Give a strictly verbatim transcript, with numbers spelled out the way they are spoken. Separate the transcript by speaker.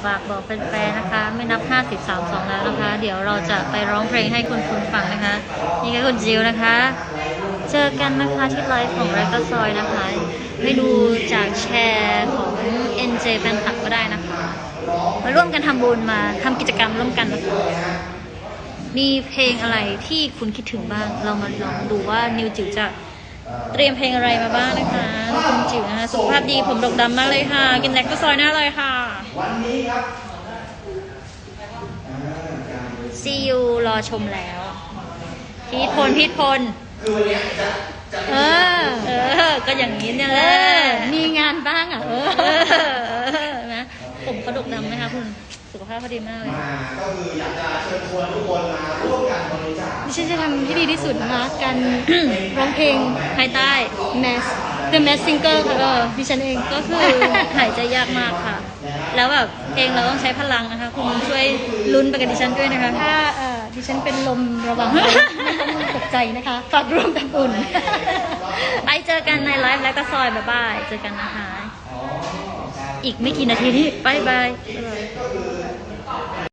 Speaker 1: ฝากบอกแฟนๆนะคะ ไม่นับห้าสิบ สาม สองแล้วนะคะ เดี๋ยวเราจะไปร้องเพลงให้คุณคุณฟังนะคะ นี่ก็คุณจิวนะคะ เจอกันนะคะที่ไลฟ์ของแรกก็ซอยนะคะไม่ดูจากแชร์ของ เอ็น เจ แฟนคลับก็ได้นะคะ มาร่วมกันทำบุญมาทำกิจกรรมร่วมกันนะคะมีเพลงอะไรที่คุณคิดถึงบ้าง เรามาลองดูว่านิวจิ๋วจะเตรียมเพลงอะไรมาบ้างนะคะคุณจิ๋วนะคะสุขภาพดีผมดกดำมากเลยค่ะกินแลคโตซอยหน้าเลยค่ะวันนี้ครับซียูรอชมแล้วพีทพลพีทพลเออเออก็อย่างนี้เนี่ยแหละมีงานบ้างอ่ะเออนะผมเขาดกดำไหมคะคุณสุขภาพเขาดีมากเลย
Speaker 2: ก็คืออยากจะเชิญชวนทุกคนมาร่วมกันบริจาค
Speaker 3: ดิฉันจะทำให้ดีที่สุดนะคะการร้องเพลง
Speaker 1: ภายใต้
Speaker 3: Mass The Mass Singer ค่ะก็ดิฉันเอง
Speaker 1: ก็คือหายใจยากมากค่ะแล้วแบบเพลงเราต้องใช้พลังนะคะคุณช่วยลุ้นไปกับดิฉันด้วยนะคะ
Speaker 3: ถ้าเอ่อดิฉันเป็นลมระวังไม่ต้องตกใจนะคะฝากร่วมทำบุญ
Speaker 1: ไปเจอกันในไลฟ์แล้วก็ซอยบ๊ายบายเจอกันนะคะอีกไม่กี่นาทีนี้บายบาย